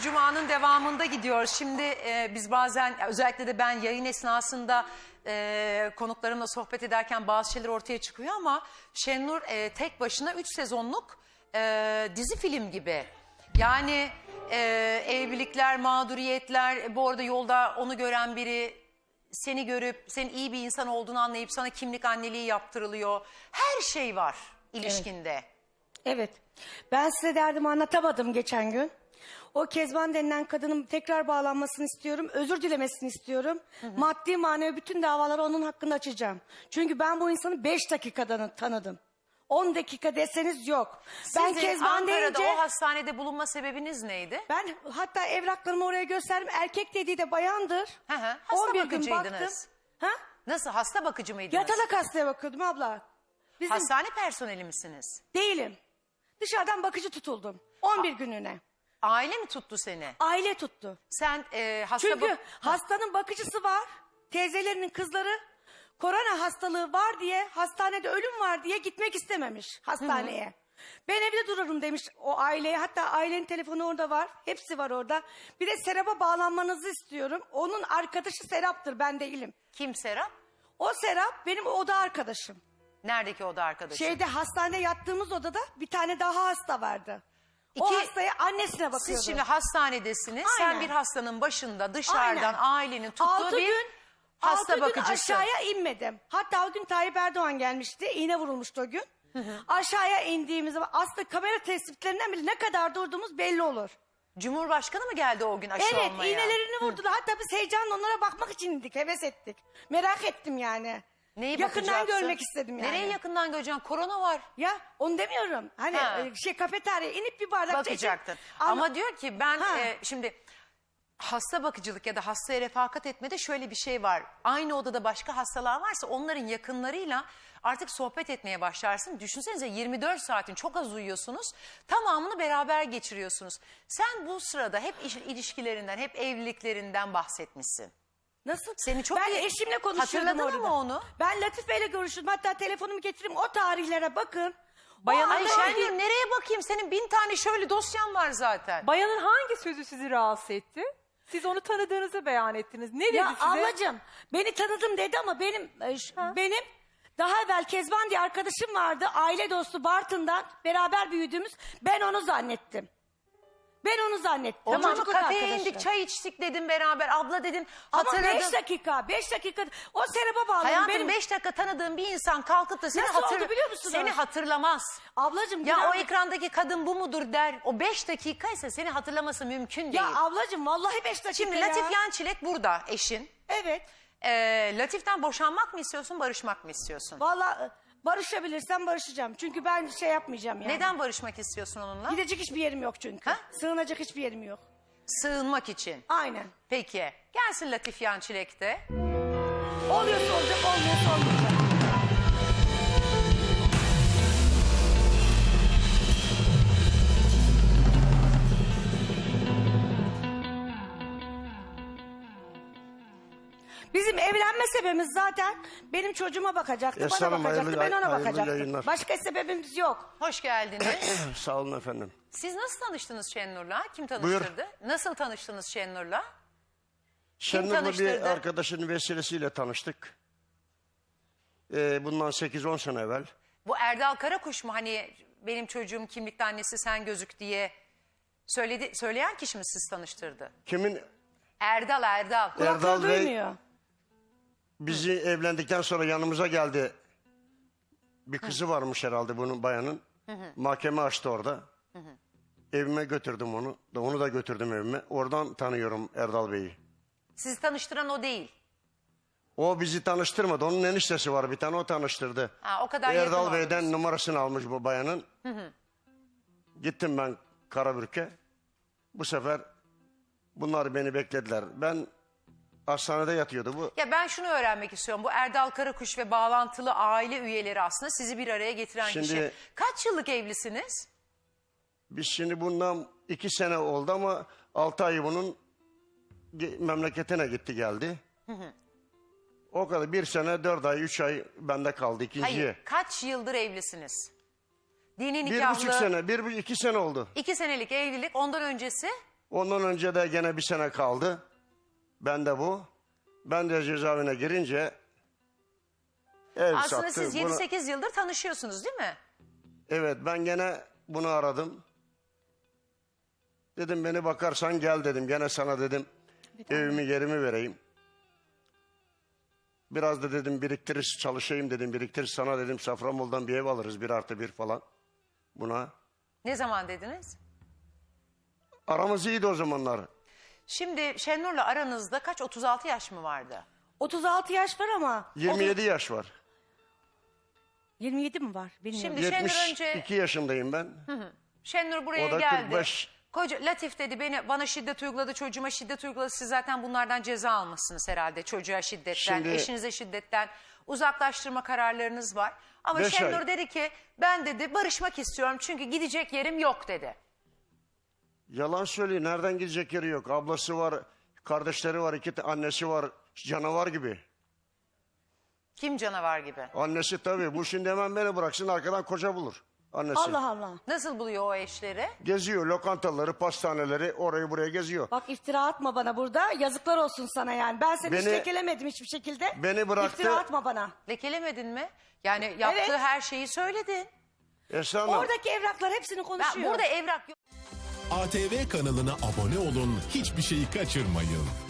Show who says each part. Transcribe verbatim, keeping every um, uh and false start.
Speaker 1: Cuma'nın devamında gidiyoruz. Şimdi e, biz bazen özellikle de ben yayın esnasında e, konuklarımla sohbet ederken bazı şeyler ortaya çıkıyor ama Şenur e, tek başına üç sezonluk e, dizi film gibi. Yani e, evlilikler, mağduriyetler, bu arada yolda onu gören biri seni görüp senin iyi bir insan olduğunu anlayıp sana kimlik anneliği yaptırılıyor. Her şey var ilişkinde.
Speaker 2: Evet. Evet. Ben size derdimi anlatamadım geçen gün. O Kezban denilen kadının tekrar bağlanmasını istiyorum. Özür dilemesini istiyorum. Hı hı. Maddi manevi bütün davaları onun hakkında açacağım. Çünkü ben bu insanı beş dakikada tanıdım. on dakika deseniz yok.
Speaker 1: Sizin
Speaker 2: ben Kezban
Speaker 1: Ankara'da
Speaker 2: deyince,
Speaker 1: o hastanede bulunma sebebiniz neydi?
Speaker 2: ben hatta evraklarımı oraya gösterdim. Erkek dediği de bayandır.
Speaker 1: Hı hı. Hasta
Speaker 2: on bir gün
Speaker 1: bakıcıydınız.
Speaker 2: baktım. Ha?
Speaker 1: Nasıl, hasta bakıcı mıydınız?
Speaker 2: Yatalak hastaya bakıyordum abla. Bizim...
Speaker 1: Hastane personeli misiniz?
Speaker 2: Değilim. Dışarıdan bakıcı tutuldum. on bir gününe.
Speaker 1: Aile mi tuttu seni?
Speaker 2: Aile tuttu.
Speaker 1: Sen e, hasta
Speaker 2: Çünkü
Speaker 1: bak-
Speaker 2: hastanın bakıcısı var. Teyzelerinin kızları korona hastalığı var diye, hastanede ölüm var diye gitmek istememiş hastaneye. Hı hı. Ben evde dururum demiş o aileye. Hatta ailenin telefonu orada var. Hepsi var orada. Bir de Serap'a bağlanmanızı istiyorum. Onun arkadaşı Serap'tır, ben değilim.
Speaker 1: Kim Serap?
Speaker 2: O Serap benim oda arkadaşım.
Speaker 1: Neredeki oda arkadaşı?
Speaker 2: Şeyde, hastanede yattığımız odada bir tane daha hasta vardı. O
Speaker 1: İki-
Speaker 2: hastaya annesine bakıyordu.
Speaker 1: Siz şimdi hastanedesiniz.
Speaker 2: Aynen.
Speaker 1: Sen bir hastanın başında dışarıdan
Speaker 2: Aynen.
Speaker 1: ailenin tuttuğu
Speaker 2: Altı
Speaker 1: bir
Speaker 2: gün,
Speaker 1: hasta
Speaker 2: altı
Speaker 1: bakıcısı.
Speaker 2: gün aşağıya inmedim. Hatta o gün Tayyip Erdoğan gelmişti. İğne vurulmuştu o gün. Hı hı. Aşağıya indiğimiz zaman aslında kamera tespitlerinden bile ne kadar durduğumuz belli olur.
Speaker 1: Cumhurbaşkanı mı geldi o gün aşı
Speaker 2: Evet,
Speaker 1: olmaya?
Speaker 2: iğnelerini vurdular. Hatta biz heyecanla onlara bakmak için indik. Heves ettik. Merak ettim yani.
Speaker 1: Neyi
Speaker 2: yakından
Speaker 1: bakacaksın?
Speaker 2: görmek istedim yani.
Speaker 1: Nereye yakından göreceksin? Korona var.
Speaker 2: Ya onu demiyorum. Hani
Speaker 1: Ha.
Speaker 2: e, şey kafeterya inip bir bardak
Speaker 1: Bakacaktın.
Speaker 2: Ama,
Speaker 1: Ama diyor ki ben
Speaker 2: Ha.
Speaker 1: e, şimdi hasta bakıcılık ya da hastaya refakat etmede şöyle bir şey var. Aynı odada başka hastalar varsa onların yakınlarıyla artık sohbet etmeye başlarsın. Düşünsenize yirmi dört saatin çok az uyuyorsunuz. Tamamını beraber geçiriyorsunuz. Sen bu sırada hep iş- ilişkilerinden, hep evliliklerinden bahsetmişsin.
Speaker 2: Nasıl?
Speaker 1: Seni çok
Speaker 2: ben
Speaker 1: iyi-
Speaker 2: eşimle konuşuyordum
Speaker 1: Hatırladın
Speaker 2: orada.
Speaker 1: mı onu?
Speaker 2: Ben Latif Bey'le görüşürdüm. Hatta telefonumu getireyim, o tarihlere bakın.
Speaker 3: Bayanın
Speaker 1: Ay
Speaker 3: hangi-
Speaker 1: Şengül, nereye bakayım? Senin bin tane şöyle dosyan var zaten.
Speaker 3: Bayanın hangi sözü sizi rahatsız etti? Siz onu tanıdığınızı beyan ettiniz. Ne dedi
Speaker 2: Ya
Speaker 3: size?
Speaker 2: ablacığım, beni tanıdım dedi ama benim e, ş- benim daha evvel Kezban diye arkadaşım vardı. Aile dostu Bartın'dan beraber büyüdüğümüz. Ben onu zannettim. Ben onu zannettim.
Speaker 1: Tamam,
Speaker 2: Çocukluk
Speaker 1: kafeye
Speaker 2: arkadaşı.
Speaker 1: indik, çay içtik dedim beraber. Abla dedin,
Speaker 2: Ama
Speaker 1: hatırladım.
Speaker 2: beş dakika, beş dakika. O Serap'a bağlı.
Speaker 1: Hayatım
Speaker 2: benim...
Speaker 1: beş dakika tanıdığın bir insan kalkıp da seni,
Speaker 2: Nasıl oldu biliyor musunuz?
Speaker 1: seni hatırlamaz.
Speaker 2: Ablacığım.
Speaker 1: Ya
Speaker 2: günah-
Speaker 1: o ekrandaki kadın bu mudur der. O beş dakikaysa seni hatırlaması mümkün değil.
Speaker 2: Ya ablacığım vallahi beş dakika
Speaker 1: Şimdi
Speaker 2: ya.
Speaker 1: Latif Yançilek burada eşin.
Speaker 2: Evet.
Speaker 1: Ee, Latif'ten boşanmak mı istiyorsun, barışmak mı istiyorsun?
Speaker 2: Vallahi barışabilirsem barışacağım. Çünkü ben şey yapmayacağım yani.
Speaker 1: Neden barışmak istiyorsun onunla?
Speaker 2: Gidecek hiçbir yerim yok çünkü.
Speaker 1: Ha?
Speaker 2: Sığınacak hiçbir yerim yok.
Speaker 1: Sığınmak için.
Speaker 2: Aynen.
Speaker 1: Peki. Gelsin Latif Yançilek de.
Speaker 2: Oluyorsa olacak, olmuyorsa olmayacak. Bizim evlenme sebebimiz zaten benim çocuğuma bakacaktı,
Speaker 4: Esra
Speaker 2: bana
Speaker 4: Hanım,
Speaker 2: bakacaktı,
Speaker 4: hayırlı-
Speaker 2: ben ona
Speaker 4: hayırlı
Speaker 2: bakacaktım.
Speaker 4: yayınlar.
Speaker 2: Başka sebebimiz yok.
Speaker 1: Hoş geldiniz.
Speaker 4: Sağ olun efendim.
Speaker 1: Siz nasıl tanıştınız Şenur'la? Kim tanıştırdı? Nasıl tanıştınız Şenur'la?
Speaker 4: Şenur'la bir
Speaker 1: tanıştırdı?
Speaker 4: arkadaşının vesilesiyle tanıştık. Ee, bundan sekiz on sene evvel.
Speaker 1: Bu Erdal Karakuş mu, hani benim çocuğum kimlikte annesi sen gözük diye söyledi, söyleyen kişi mi siz tanıştırdı?
Speaker 4: Kimin?
Speaker 1: Erdal Erdal.
Speaker 4: Erdal
Speaker 2: Kulakları
Speaker 4: Bey
Speaker 2: duymuyor.
Speaker 4: bizi evlendikten sonra yanımıza geldi. Bir kızı varmış herhalde bunun bayanın. Mahkeme açtı orada. Evime götürdüm onu. Da onu da götürdüm evime. Oradan tanıyorum Erdal Bey'i.
Speaker 1: Sizi tanıştıran o değil.
Speaker 4: O bizi tanıştırmadı. Onun eniştesi var bir tane, o tanıştırdı.
Speaker 1: Ha, o kadar yakın
Speaker 4: Erdal
Speaker 1: oldunuz.
Speaker 4: Bey'den numarasını almış bu bayanın. Gittim ben Karabürk'e. Bu sefer bunlar beni beklediler. Ben hastanede yatıyordu bu.
Speaker 1: Ya ben şunu öğrenmek istiyorum. Bu Erdal Karakuş ve bağlantılı aile üyeleri aslında sizi bir araya getiren
Speaker 4: Şimdi-
Speaker 1: kişi. Kaç yıllık evlisiniz?
Speaker 4: Biz şimdi bundan iki sene oldu ama altı ay bunun ge- memleketine gitti geldi. O kadar bir sene, dört ay, üç ay bende kaldı ikinciye.
Speaker 1: Hayır. Kaç yıldır evlisiniz? Dini
Speaker 4: Bir
Speaker 1: nikahlı.
Speaker 4: buçuk sene, bir bu- iki sene oldu.
Speaker 1: İki senelik evlilik. Ondan öncesi
Speaker 4: Ondan önce de gene bir sene kaldı. Ben de bu. Ben de cezaevine girince ev
Speaker 1: Aslında
Speaker 4: sattı.
Speaker 1: siz
Speaker 4: Bunu-
Speaker 1: yedi sekiz yıldır tanışıyorsunuz değil mi?
Speaker 4: Evet, ben gene bunu aradım. Dedim beni bakarsan gel dedim. Gene sana dedim evimi yerimi vereyim. Biraz da dedim biriktirir çalışayım dedim. Biriktirir sana dedim Safranbolu'dan bir ev alırız bir artı bir falan. Buna.
Speaker 1: Ne zaman dediniz?
Speaker 4: Aramız iyiydi o zamanlar.
Speaker 1: Şimdi Şenur'la aranızda kaç, otuz altı yaş mı vardı?
Speaker 2: otuz altı yaş var ama.
Speaker 4: yirmi yedi yaş var.
Speaker 2: yirmi yedi mi var? Bilmiyorum.
Speaker 1: Şimdi Şenur
Speaker 4: yetmiş iki
Speaker 1: önce
Speaker 4: yaşındayım ben.
Speaker 1: Şenur buraya
Speaker 4: O da
Speaker 1: geldi.
Speaker 4: kırk beş.
Speaker 1: Koca, Latif dedi beni bana şiddet uyguladı, çocuğuma şiddet uyguladı. Siz zaten bunlardan ceza almışsınız herhalde. Çocuğa şiddetten,
Speaker 4: Şimdi-
Speaker 1: eşinize şiddetten uzaklaştırma kararlarınız var. Ama
Speaker 4: Beş
Speaker 1: Şenur
Speaker 4: ay.
Speaker 1: dedi ki ben dedi barışmak istiyorum çünkü gidecek yerim yok dedi.
Speaker 4: Yalan söylüyor. Nereden gidecek yeri yok. Ablası var, kardeşleri var, iki ta- annesi var. Canavar gibi.
Speaker 1: Kim canavar gibi?
Speaker 4: Annesi tabii. Bu şimdi hemen beni bıraksın arkadan koca bulur. Annesi.
Speaker 2: Allah Allah.
Speaker 1: Nasıl buluyor o eşleri?
Speaker 4: Geziyor lokantaları, pastaneleri orayı buraya geziyor.
Speaker 2: Bak iftira atma bana burada. Yazıklar olsun sana yani. Ben seni hiç
Speaker 4: Beni-
Speaker 2: lekelemedim hiçbir şekilde.
Speaker 4: Beni bıraktı.
Speaker 2: İftira atma bana.
Speaker 1: Lekelemedin mi? Yani yaptığı
Speaker 2: Evet.
Speaker 1: her şeyi söyledin.
Speaker 4: Esra Hanım,
Speaker 2: Oradaki evraklar hepsini
Speaker 1: Ben
Speaker 2: konuşuyor.
Speaker 1: burada evrak yok.
Speaker 5: A T V kanalına abone olun, hiçbir şeyi kaçırmayın.